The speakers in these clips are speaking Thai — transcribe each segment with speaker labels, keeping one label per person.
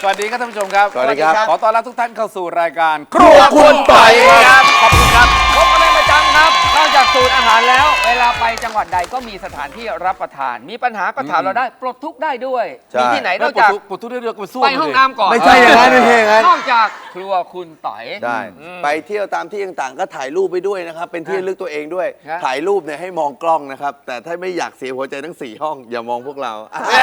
Speaker 1: สวัสดีครับท่านผู้ชมครับ
Speaker 2: สวัสดีครับ
Speaker 1: ขอต้อนรับทุกท่านเข้าสู่รายการ
Speaker 2: ครัวคุณต่อยครับ
Speaker 3: ขอบคุณครับพบกันเป็นประจำครับนอกจากสูตรอาหารแล้ว เวลาไปจังหวัดใดก็มีสถานที่รับประทาน มีปัญหาก็ถามเราได้ปลดทุกข์ได้ด้วย
Speaker 2: ใช่
Speaker 3: มีที่ไหนนอกจาก
Speaker 1: ปวดทุกเรื่องไปสู้
Speaker 3: ไปห้องน้ำก่อน
Speaker 2: ไม่ใช่อย่างนั้นไม่ใช่อย่างนั้น
Speaker 3: นอกจากครัวคุณต่อย
Speaker 2: ได้ไปเที่ยวตามที่ต่างๆก็ถ่ายรูปไปด้วยนะครับ เป็นที่ระลึกตัวเองด้วย
Speaker 3: ครับ
Speaker 2: ถ่ายรูปเนี่ยให้มองกล้องนะครับ แต่ถ้าไม่อยากเสียหัวใจทั้ง 4 ห้อง อย่ามองพวกเรา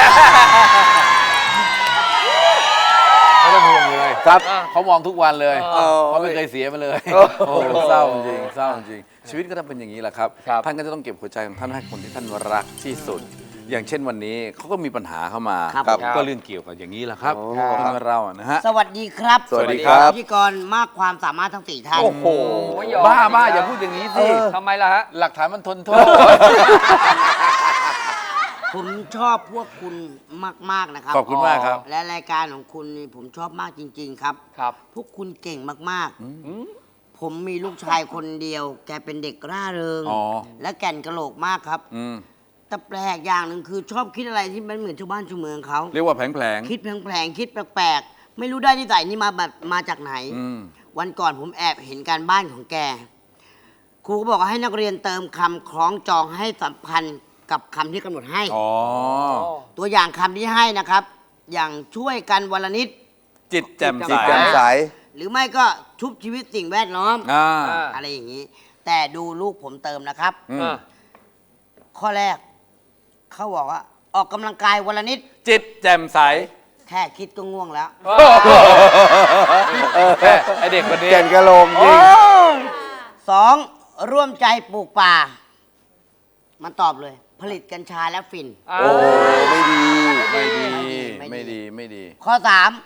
Speaker 1: ไม่ต้องห่วงเลย
Speaker 2: ครับ
Speaker 1: เขามองทุกวันเลย
Speaker 2: เออ
Speaker 1: เขาไม่เคยเสียมาเลย
Speaker 2: โอ้
Speaker 1: โอ้เศร้าจริงเศร้าจริงชีวิตก็ต้องเป็นอย่างนี้แหละครับ
Speaker 3: ครับ
Speaker 1: ท่านก็จะต้องเก็บหัวใจของท่านให้คนที่ท่านรักที่สุด อย่างเช่นวันนี้เขาก็มีปัญหาเข้ามา
Speaker 4: ครับ
Speaker 1: ก็เรื่องเกี่ยวกับอย่างนี้แหละครับ
Speaker 2: โอ้
Speaker 1: เรื่องเราอะนะฮะ
Speaker 4: สวัสดีครับ
Speaker 2: สวัสดีครับ
Speaker 4: พิธีกรมากความสามารถทั้ง 4 ท่าน
Speaker 3: โอ้โหยอม
Speaker 1: บ้าอย่าพูดอย่างนี้สิ
Speaker 3: ทำไมล่ะฮะ
Speaker 1: หลักฐานมันทนโทษ
Speaker 4: ผมชอบพวกคุณมาก ๆ นะครับ
Speaker 1: ขอบคุณมากครับ
Speaker 4: และรายการของคุณนี่ผมชอบมากจริง ๆ ครับ
Speaker 3: ครับ
Speaker 4: พวกคุณเก่งมากๆ ผมมีลูกชายคนเดียว แกเป็นเด็กร่าเริง
Speaker 1: อ๋อ
Speaker 4: และแก่นกะโหลกมากครับ
Speaker 1: อืม
Speaker 4: แต่แปลกอย่างหนึ่งคือชอบคิดอะไรที่มันเหมือนชาวบ้านชาวเมืองเขา
Speaker 1: เรียกว่าแผลง
Speaker 4: คิดแผลงๆคิดแปลกๆ ไม่รู้ได้นิสัยนี่มาจากไหน
Speaker 1: อืม
Speaker 4: วันก่อนผมแอบเห็นการบ้านของแก ครูก็บอกว่าให้นักเรียนเติมคำคล้องจองให้สัมพันธ์กับคำที่กำหนดให้
Speaker 1: อ๋อ
Speaker 4: ตัวอย่างคำที่ให้นะครับ อย่างช่วยกันวันละนิด
Speaker 1: จิตแจ่มใส
Speaker 2: จิตแจ่มใส
Speaker 4: หรือไม่ก็ชุบชีวิตสิ่งแวดล้อม
Speaker 1: อ่า
Speaker 4: อะไรอย่างนี้ แต่ดูลูกผมเติมนะครับ
Speaker 1: อืม
Speaker 4: ข้อแรก เขาบอกว่าออกกำลังกายวันละนิด
Speaker 1: จิตแจ่มใส
Speaker 4: แค่คิดก็ง่วงแล้ว
Speaker 1: ไอเด็กคนนี้
Speaker 2: แก่นกะโหลกจริง
Speaker 4: สองร่วมใจปลูกป่า มันตอบเลย ผลิตกัญชาและฝิ่น
Speaker 2: โอ้ไม่ดี
Speaker 1: ไม่ดี
Speaker 4: ไม่
Speaker 1: ไม่
Speaker 4: ดี
Speaker 1: ดีไม่ดี
Speaker 4: ข้อ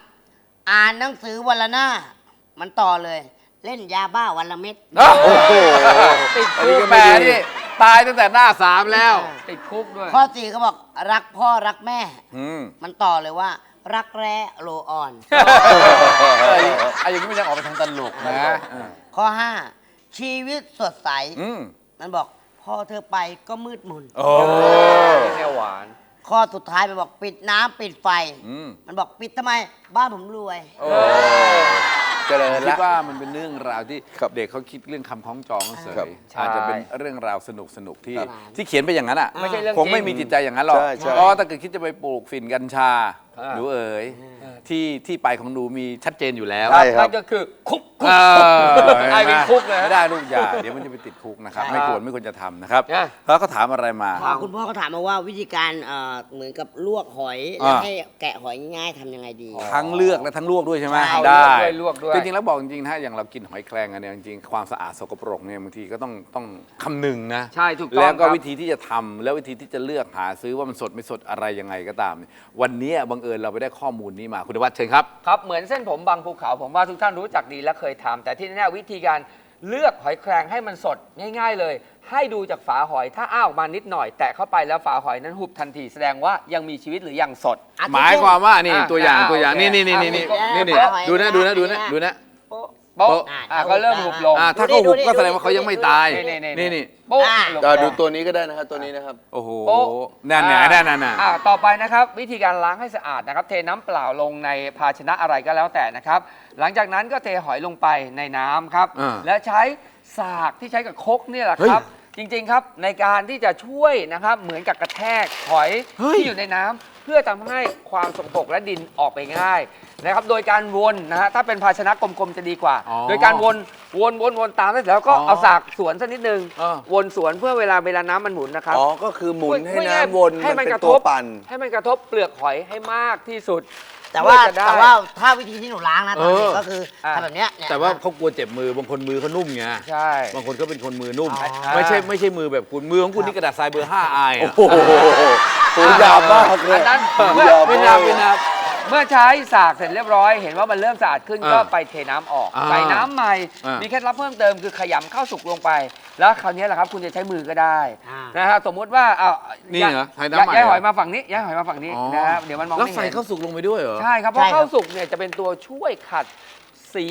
Speaker 4: 3 อ่านหนังสือวันละหน้า มันต่อเลย เล่นยาบ้าวันละเม็ด
Speaker 2: โอ้โห
Speaker 3: ติด
Speaker 1: อัน
Speaker 3: คุ
Speaker 1: นี้
Speaker 3: ก
Speaker 1: ก็แหม่นี่ตายตั้งแต่หน้า3แล้ว
Speaker 3: ติดคุกด้วย
Speaker 4: ข้อ 4เขาบอกรักพ่อรักแม่
Speaker 1: อืม
Speaker 4: มันต่อเลยว่า รักแร้โลออน
Speaker 1: ไอ้อย่างนี้ไม่ใช่ออกไปทางตลกนะ
Speaker 4: ข้อ 5 ชีวิตสดใส
Speaker 1: อืม
Speaker 4: มันบอกพอเธอไปก็มืดมน
Speaker 1: โอ้
Speaker 3: แนวหวาน
Speaker 4: ข้อสุดท้ายมันบอกปิดน้ำปิดไฟ
Speaker 1: อืม
Speaker 4: มันบอกปิดทำไม บ้านผมรวย
Speaker 2: เจริญ
Speaker 1: คิด
Speaker 2: ละ
Speaker 1: ว่ามันเป็นเรื่องราวที่
Speaker 2: ครับ
Speaker 1: เด็กเขาคิดเรื่องคำคล้องจองเฉ
Speaker 2: ครับ
Speaker 1: ย
Speaker 3: ใช่
Speaker 1: อาจจะเป็นเรื่องราวสนุกที่
Speaker 4: ครับ
Speaker 1: ที่เขียนไปอย่างนั้นอ่ะ
Speaker 3: ไม่ใช่เรื่อง
Speaker 1: คงไม่
Speaker 3: จริง
Speaker 1: มีจิตใจอย่างนั้นหรอก
Speaker 2: ใช่ใช่
Speaker 1: เพราะว่าถ้าเกิดคิดจะไปปลูกฝิ่นกัญชา
Speaker 3: อ่า
Speaker 1: หนูเอ๋ยที่ไปของหนูมีชัดเจนอยู่แล้ว
Speaker 2: ใช่ครับ
Speaker 3: นั่นก็คือคุก
Speaker 1: เออ
Speaker 3: ไอ้เป็นคุกเลย
Speaker 1: ไม่ได้ลูกอย่าเดี๋ยวมันจะไปติดคุกนะครับ
Speaker 3: ใช่
Speaker 1: ไม่ควรจะทำนะครับ
Speaker 3: อ่ะ
Speaker 1: แล้วก็ถามอะไรมา
Speaker 4: คุณพ่อก็ถามมาว่าวิธีการเหมือนกับลวกหอย
Speaker 1: อ่า
Speaker 4: แล้วให้แกะหอยง่ายๆทำยังไงดี
Speaker 1: ทั้งเลือกและทั้งลวกด้วยใช่ไหม
Speaker 4: ใช่
Speaker 1: ได้
Speaker 3: ลวกด้วย
Speaker 1: จริงๆแล้วบอกจริงๆถ้าอย่างเรากินหอยแครงอันเนี้ยจริงๆความสะอาดสกปรกเนี่ยบางทีก็ต้องคำนึงนะ
Speaker 3: ใช่ถูกต้อง
Speaker 1: แล้วก็
Speaker 3: ครับ
Speaker 1: วิธีที่จะทำแล้ววิธีที่จะเลือกหาซื้อว่ามันสดไม่สดอะไรยังไงก็ตามเนี่ยวันนี้บังเอิญเราไปได้ข้อมูลนี้มาคุณธวัชเชิญครับ
Speaker 3: ครับเหมือนเส้นผมบางภูเขาผมว่าทุกท่านรู้จักดีและเคยทำแต่ที่แน่ๆวิธีการเลือกหอยแครงให้มันสดง่าย ๆเลย ให้ดูจากฝาหอยถ้าอ้าออกมานิดหน่อย แตะเข้าไปแล้วฝาหอยนั้นหุบทันทีแสดงว่ายังมีชีวิตหรือยังสด
Speaker 1: หมายความว่านี่
Speaker 3: อ่ะ
Speaker 1: ตัวอย่าง
Speaker 3: อ่ะ
Speaker 1: ตัวอย่าง
Speaker 3: โอเค
Speaker 1: นี่
Speaker 3: อ่ะ
Speaker 1: นี่
Speaker 3: อ่ะ
Speaker 1: ดูนะดูนะ
Speaker 3: โป๊ะ
Speaker 1: โป๊ะ
Speaker 3: ก็เริ่มหุบลง
Speaker 1: ถ้าเขาหุบก็แสดงว่าเขายังไม่ตาย
Speaker 3: นี่โป๊ะลง
Speaker 2: ก็ดูตัวนี้ก็ได้นะครับตัวนี้นะครับ
Speaker 1: โอ้โห
Speaker 3: โป๊ะ
Speaker 1: นั่นไงนั่นน่ะ
Speaker 3: ต่อไปนะครับวิธีการล้างให้สะอาดนะครับ เทน้ำเปล่าลงในภาชนะอะไรก็แล้วแต่นะครับ หลังจากนั้นก็เทหอยลงไปในน้ำครับ
Speaker 1: อ่า
Speaker 3: และใช้สากที่ใช้กับครกเนี่ยแหละครับ จริงๆครับในการที่จะช่วยนะครับเหมือนกับกระแทกหอยที่อยู่ในน้ำเพื่อทำให้ความสกปรกและดินออกไปง่ายนะครับโดยการวนนะฮะถ้าเป็นภาชนะกลมๆจะดีกว่า
Speaker 1: อ๋อ
Speaker 3: โดยการวนตามแล้วก็
Speaker 1: อ๋อ
Speaker 3: เอาสากสวนสักนิดนึง
Speaker 1: อ่า
Speaker 3: วนสวนเพื่อเวลาน้ำมันหมุนนะครับ
Speaker 2: อ๋อ ก็คือหมุนให้
Speaker 3: พูดง่ายๆ
Speaker 2: น้ำวน
Speaker 3: ให้
Speaker 2: มัน
Speaker 3: มัน
Speaker 2: เป็
Speaker 3: ก
Speaker 2: น
Speaker 3: ระ
Speaker 2: ตั
Speaker 3: ท
Speaker 2: ว
Speaker 3: บ
Speaker 2: ปั่น
Speaker 3: ให้มันกระทบเปลือกหอยให้มากที่สุด
Speaker 4: แต่ว่า
Speaker 3: เพื่อจะได้
Speaker 4: ถ้าวิธีที่หนูล้างนะตอนนี้ก็คือ
Speaker 3: อ่า
Speaker 4: ทำแบบเนี้ยเนี่ย
Speaker 1: แต่ว่าเขากลัวเจ็บมือบางคนมือเขานุ่มไง
Speaker 3: ใช่
Speaker 1: บางคนก็เป็นคนมือนุ่ม
Speaker 4: อ๋อ
Speaker 1: ไม่ใช่มือแบบคุณมือของคุณนี่กระดาษทรายเบอร์5อาย
Speaker 2: โอ้
Speaker 1: อะ
Speaker 2: โหตัวยาวมากเลย
Speaker 3: อันนั้น
Speaker 2: ยาว
Speaker 1: ไม่
Speaker 2: มา
Speaker 1: นับ
Speaker 2: ก
Speaker 1: ไม่นับ
Speaker 3: เมื่อใช้สากเสร็จเรียบร้อย เห็นว่ามันเริ่มสะอาดขึ้น
Speaker 1: อ่า
Speaker 3: ก็ไปเทน้ำออก
Speaker 1: อ่า
Speaker 3: ใส่น้ำใหม่
Speaker 1: อ่ามี
Speaker 3: มีเคล็ดลับเพิ่มเติมคือขยำข้าวสุกลงไป แล้วคราวนี้แหละครับคุณจะใช้มือก็ได้
Speaker 4: อ่าน
Speaker 3: นะฮะสมมุติว่าเอา
Speaker 1: นี่เหรอใช้น้ำใหม่
Speaker 3: ย้ายหอย
Speaker 1: เหรอ
Speaker 3: มาฝั่งนี้ย้ายหอยมาฝั่งนี้
Speaker 1: อ๋อ
Speaker 3: นะฮะเดี๋ยวมันมอง
Speaker 1: แล้ว
Speaker 3: ไม่
Speaker 1: ใส่
Speaker 3: เห็น
Speaker 1: ข้าวสุกลงไปด้วยเหรอ
Speaker 3: ใช่ครับเพ
Speaker 4: ใช่
Speaker 3: ราะ
Speaker 4: ครับ
Speaker 3: ข้าวสุกเนี่ยจะเป็นตัวช่วยขัดสี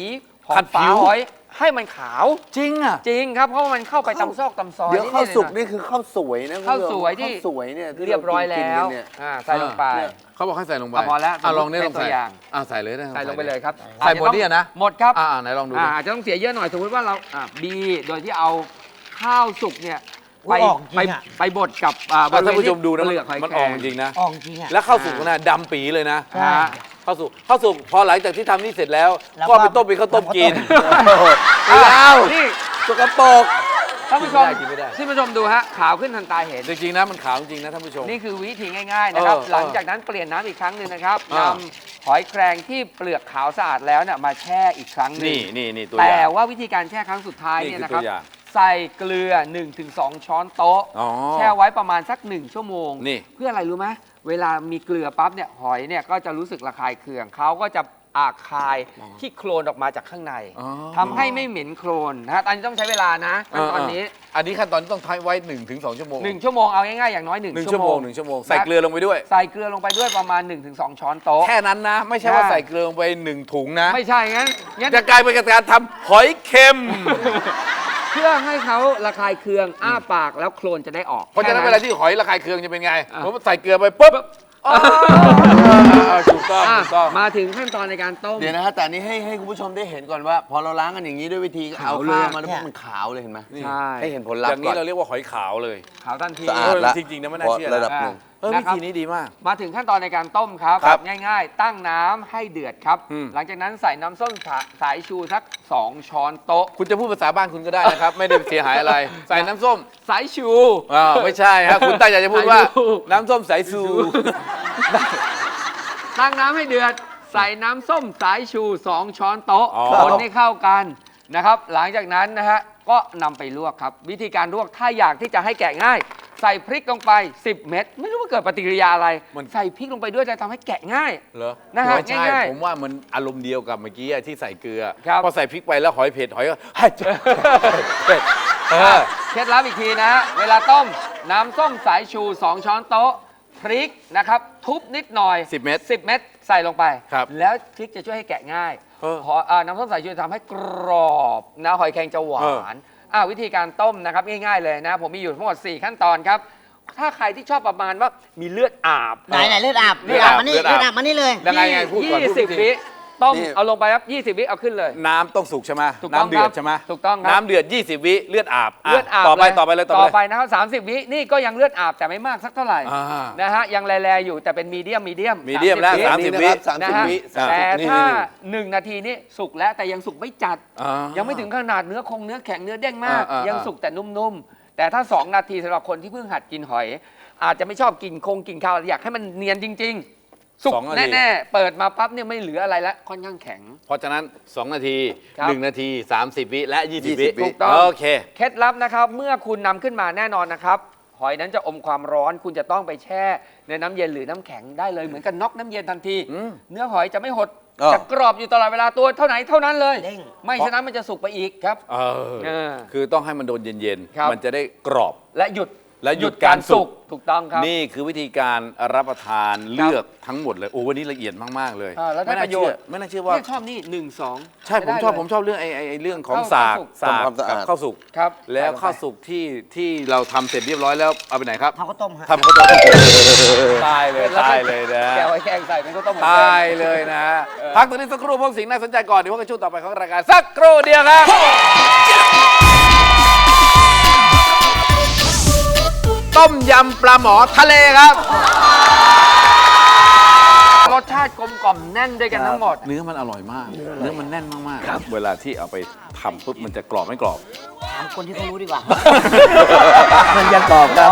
Speaker 3: ของ
Speaker 1: ขัดผิ
Speaker 3: ฝาว หอยให้มันขาว
Speaker 1: จริงอ่ะ
Speaker 3: จริงครับเพราะว่ามันเข้าไปตำซอกตำซอย
Speaker 2: เดี๋ยวข้าวสุก
Speaker 3: นิดๆหน่อย
Speaker 2: นี่คือข้าวสวยนะคุณผู้ชม
Speaker 3: ข้าวสวยที่
Speaker 2: ข้าวสวยเนี่ยที่
Speaker 3: เรียบร้อย
Speaker 2: กิน
Speaker 3: แล้ว
Speaker 2: กันเนี่ย
Speaker 3: ใส่ลงไป
Speaker 1: เขาบอกให้ใส่ลงไป
Speaker 3: พอแล้ว
Speaker 1: ลองนี่ลอง
Speaker 3: เป็นตั
Speaker 1: ใส่
Speaker 3: วอย่าง
Speaker 1: ใส่เลยได้
Speaker 3: ใส่ลงไปเลยครับ
Speaker 1: ใส่หมดเนี่ยนะ
Speaker 3: หมดครับ
Speaker 1: ไหนลองดูดิ
Speaker 3: อาจจะต้องเสียเยอะหน่อยสมมติว่าเราบีโดยที่เอาข้าวสุกเนี่ย
Speaker 4: อุ๊ยออกจริงอะ
Speaker 3: ไปบดกับ
Speaker 1: ท่านผู้ชมดูนะ
Speaker 3: เปลือกหอย
Speaker 1: มัน
Speaker 3: แคร
Speaker 1: ออก
Speaker 3: ง
Speaker 1: จริงนะ
Speaker 4: ออกจริงอ่ะ
Speaker 1: แล้วข้าวสุกนะดำปีเลยนะ
Speaker 4: ใช่
Speaker 1: ข้าวสุกพอหลังจากที่ทำนี่เสร็จแล้ว
Speaker 4: แล้ว
Speaker 1: ก็
Speaker 4: ก็
Speaker 1: ไปต้มเป็นข้าวต้มกิน
Speaker 2: ไม่เอา
Speaker 3: นี่
Speaker 2: สกปรก
Speaker 3: ท่านผู้ชม
Speaker 1: กินไม่ได้
Speaker 3: ท่านผู้ชมดูฮะขาวขึ้นทันตาเห็น
Speaker 1: จริงๆนะมันขาวจริงนะท่านผู้ชม
Speaker 3: นี่คือวิธีง่ายๆนะครับ
Speaker 1: เออ
Speaker 3: หลังจากนั้นเปลี่ยนน้ำอีกครั้งหนึ่งนะครับ
Speaker 1: เออน
Speaker 3: ำหอยแครงที่เปลือกขาวสะอาดแล้วเนี่ยมาแช่อีกครั้งหนึง
Speaker 1: นี่ตัวอ
Speaker 3: แต่
Speaker 1: ย่าง
Speaker 3: ว่าวิธีการแช่ครั้งสุดท้าย
Speaker 1: นี่
Speaker 3: เนี่ย
Speaker 1: คือ
Speaker 3: นะครับ
Speaker 1: ตัวอย่าง
Speaker 3: ใส่เกลือ 1-2 ช้อนโต๊ะ
Speaker 1: อ๋อ
Speaker 3: แช่ไว้ประมาณสัก 1 ชั่วโมง
Speaker 1: นี่
Speaker 3: เพื่ออะไรรู้ไหมเวลามีเกลือปั๊บเนี่ยหอยเนี่ยก็จะรู้สึกระคายเคืองเขาก็จะคายที่โคลนออกมาจากข้างใน
Speaker 1: อ๋อ
Speaker 3: ทำให้ไม่เหม็นโคลนนะฮะอันนี้ต้องใช้เวลานะขั้นตอนนี้
Speaker 1: อันนี้ขั้นตอนที่ต้องทายไว้ 1-2 ชั่วโมง
Speaker 3: 1 ชั่วโมงเอาง่ายๆอย่างน้อย
Speaker 1: หนึ่ง
Speaker 3: 1
Speaker 1: ชั่วโมงใส่เกลือลงไปด้วย
Speaker 3: ใส่เกลือลงไปด้วยประมาณ 1-2 ช้อนโต๊ะ
Speaker 1: แค่นั้นนะ ไม่ใช่ว่า
Speaker 3: ใช่
Speaker 1: ใส่เกลือลงไป1 ถุงนะ
Speaker 3: ไม่ใช่งั้น
Speaker 1: จะกลายเป็นการทำหอยเค็ม
Speaker 3: เพื่อให้เขาระคายเคืองอ้าปากแล้วโคลนจะได้ออก
Speaker 1: เพราะฉะนั้นเว
Speaker 3: แค่
Speaker 1: ลาที่หอยระคายเคืองจะเป็นไง
Speaker 3: อ่ะ
Speaker 1: ผมใส่เกลือไปปุ๊บถูกต้อง
Speaker 3: อ่ะ
Speaker 1: ถูกต้อง
Speaker 3: มาถึงขั้นตอนในการต้ม
Speaker 2: เดี๋ยวนะฮะแต่อันนี้ให้คุณผู้ชมได้เห็นก่อนว่า พอเราล้างกันอย่างนี้ด้วยวิธีเอา
Speaker 3: ขาวเลย
Speaker 2: ข้าวมาแล้วมันขาวเลยเห็นไหม
Speaker 3: ใช่
Speaker 2: ให้เห็นผลลัพ
Speaker 1: อย่าง
Speaker 2: ธ์
Speaker 1: นี้
Speaker 2: ก่อน
Speaker 1: เราเรียกว่าหอยขาวเลย
Speaker 3: ขาวทันที
Speaker 2: สะอาดละ
Speaker 1: จริงๆนะไม่น่าเชื่อนะ
Speaker 2: ระดับหนึ่ง
Speaker 1: วิธีนี้ดีมาก
Speaker 3: มาถึงขั้นตอนในการต้มครับ
Speaker 1: ครับ
Speaker 3: ง่ายๆ ตั้งน้ำให้เดือดครับ
Speaker 1: อืม
Speaker 3: หลังจากนั้นใส่น้ำส้มสายชูสัก 2 ช้อนโต๊ะ
Speaker 1: คุณจะพูดภาษาบ้านคุณก็ได้นะครับ ไม่ได้เสียหายอะไร ใส่น้ำส้ม
Speaker 3: สายชู
Speaker 1: ไม่ใช่ฮะคุณตั้งใจจะพูดว่า
Speaker 3: สายชู
Speaker 1: น้ำส้มสายซู
Speaker 3: ตั้งน้ำให้เดือด ใส่น้ำส้มสายชู 2 ช้อนโต๊ะ
Speaker 1: อ๋อ
Speaker 3: คนให้เข้ากันนะครับ หลังจากนั้นนะฮะก็นำไปลวกครับ วิธีการลวกถ้าอยากที่จะให้แกะง่าย ใส่พริกลงไป 10 เม็ดไม่รู้ว่าเกิดปฏิกิริยาอะไร ใส่พริกลงไปด้วยจะทำให้แกะง่าย
Speaker 1: เหรอ
Speaker 3: นะฮะ
Speaker 1: ไม่ใช่
Speaker 3: ง่ายๆ
Speaker 1: ผมว่ามันอารมณ์เดียวกับเมื่อกี้ที่ใส่เกลือ
Speaker 3: ครับ
Speaker 1: พอใส่พริกไปแล้วหอยเผ็ดหอยก็ เผ็ด
Speaker 3: เคล็ดลับอีกทีนะฮะเวลาต้มน้ำส้มสายชู 2 ช้อนโต๊ะ พริกนะครับ ทุบนิดหน่อย
Speaker 1: 10 เม็ด
Speaker 3: 10 เม็ดใส่ลงไป
Speaker 1: ครับ
Speaker 3: แล้วพริกจะช่วยให้แกะง่าย น้ำส้มสายชูจะทำให้กรอบนะหอยแครงจะหวานวิธีการต้มนะครับง่ายๆเลยนะ ผมมีอยู่ทั้งหมด 4 ขั้นตอนครับ ถ้าใครที่ชอบประมาณว่ามีเลือดอาบ
Speaker 4: ไหนเลือดอาบ
Speaker 1: เลือดอาบ
Speaker 4: มานี่
Speaker 1: เลือดอาบ
Speaker 4: เลือดอาบมานี่เลย
Speaker 1: ยังไงพูดก่อนพูด
Speaker 3: 20 วิต้ม
Speaker 2: นี่
Speaker 3: เอาลงไปครับ20 วิเอาขึ้นเลย
Speaker 1: น้ำต้องสุกใช่ไหม
Speaker 3: ถูกต้อง
Speaker 1: น้ำเดือ
Speaker 3: ครั
Speaker 1: ด
Speaker 3: บ
Speaker 1: ใช่ไหม
Speaker 3: ถูกต้องครับ
Speaker 1: น้ำเดือด 20 วิเลือดอาบ
Speaker 3: เลือดอาบ
Speaker 1: ต่อไป
Speaker 3: เลย
Speaker 1: ต่อไปเลย
Speaker 3: ต่อไปนะครับ30 วินี่ก็ยังเลือดอาบแต่ไม่มากสักเท่าไหร่
Speaker 1: อ่า
Speaker 3: นะฮะยังแลอยู่แต่เป็นมีเดียม
Speaker 1: มีเดียมแล้ว
Speaker 3: วิ
Speaker 1: 30 วิ
Speaker 3: นะฮะ
Speaker 2: วิ
Speaker 3: แต่
Speaker 2: นี่
Speaker 3: ถ้า
Speaker 2: นี่
Speaker 3: 1 นาทีนี่สุกแล้วแต่ยังสุกไม่จัด ยังไม่ถึงขนาดเนื้อแข็งเนื้อเด้งมาก ยังสุกแต่นุ่มๆ แต่ถ้า 2 นาทีสำหรับคนที่เพิ่งหัดกินหอย อาจจะไม่ชอบกินกินข้าวอยากให้มันเนียนจริง ๆ สุก
Speaker 1: 2 นาที
Speaker 3: แน่ๆ เปิดมาปั๊บเนี่ยไม่เหลืออะไรแล้วค่อนข้างแข็ง
Speaker 1: เพราะฉะนั้น 2 นาที
Speaker 3: ครับ
Speaker 1: 1 นาที 30 วิและ 20 วิ
Speaker 2: 20
Speaker 3: ถูกต้อง
Speaker 1: โอเค
Speaker 3: เคล็ดลับนะครับเมื่อคุณนำขึ้นมาแน่นอนนะครับ หอยนั้นจะอมความร้อน คุณจะต้องไปแช่ในน้ำเย็นหรือน้ำแข็งได้เลยเหมือนกับน็อกน้ำเย็นทันที
Speaker 1: อืม
Speaker 3: เนื้อหอยจะไม่หด
Speaker 2: อ้อ
Speaker 3: จะกรอบอยู่ตลอดเวลาตัวเท่าไหนเท่านั้นเลย
Speaker 4: เด้ง
Speaker 3: ไม่ฉะนั้นมันจะสุกไปอีกครับ
Speaker 1: เออคือต้องให้มันโดนเย็น
Speaker 3: ครับ
Speaker 1: ๆ มันจะได้กรอบ
Speaker 3: และหยุด
Speaker 1: และหยุดการสุก
Speaker 3: ถูกต้องครับ
Speaker 1: นี่คือวิธีการรับประทานเลือกทั้งหมดเลยโอ้วันนี้ละเอียดมากๆเลย
Speaker 3: แล้วได้
Speaker 1: ไม่
Speaker 3: ป
Speaker 1: น่า
Speaker 3: ระโย
Speaker 1: เชื่
Speaker 3: ช
Speaker 1: อ
Speaker 3: น์
Speaker 1: ไม่น่าเชื่อว่า
Speaker 3: ชอบนี่1-2
Speaker 1: ใช่ผมชอบเรื่องไอ้เรื่องของสาก
Speaker 2: ทำความสะอาด
Speaker 1: กับข้าวสุก
Speaker 3: ครับ
Speaker 1: แล้วข้าวสุกที่เราทำเสร็จเรียบร้อยแล้วเอาไปไหนครับ
Speaker 4: ทำข้าวต้มฮะ
Speaker 1: ทำข้าวต้มตายเลยตายเลยนะ
Speaker 3: แกวไว้แกงใส่เป็นข้าวต้มหมู
Speaker 1: ตายเลยนะ พักตรงนี้สักครู่พวกสิ่งน่าสนใจก่อนเดี๋ยวพวกกันช่วงต่อไปของรายการสักครู่เดียวครับ ต้มยำปลาหมอทะเลครับ
Speaker 3: รสชาติกลมกล่อมแน่นด้วยกันทั้งหมด
Speaker 1: เนื้อมันอร่อยมาก เนื้อมันแน่นมากๆเวลาที่เอาไปทำปุ๊บมันจะกรอบไม่กรอบ
Speaker 4: ถามคนที่เขารู้ดีกว่า
Speaker 2: มันยังกรอบครับ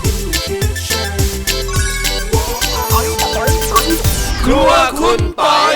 Speaker 1: ครัวคุณปอย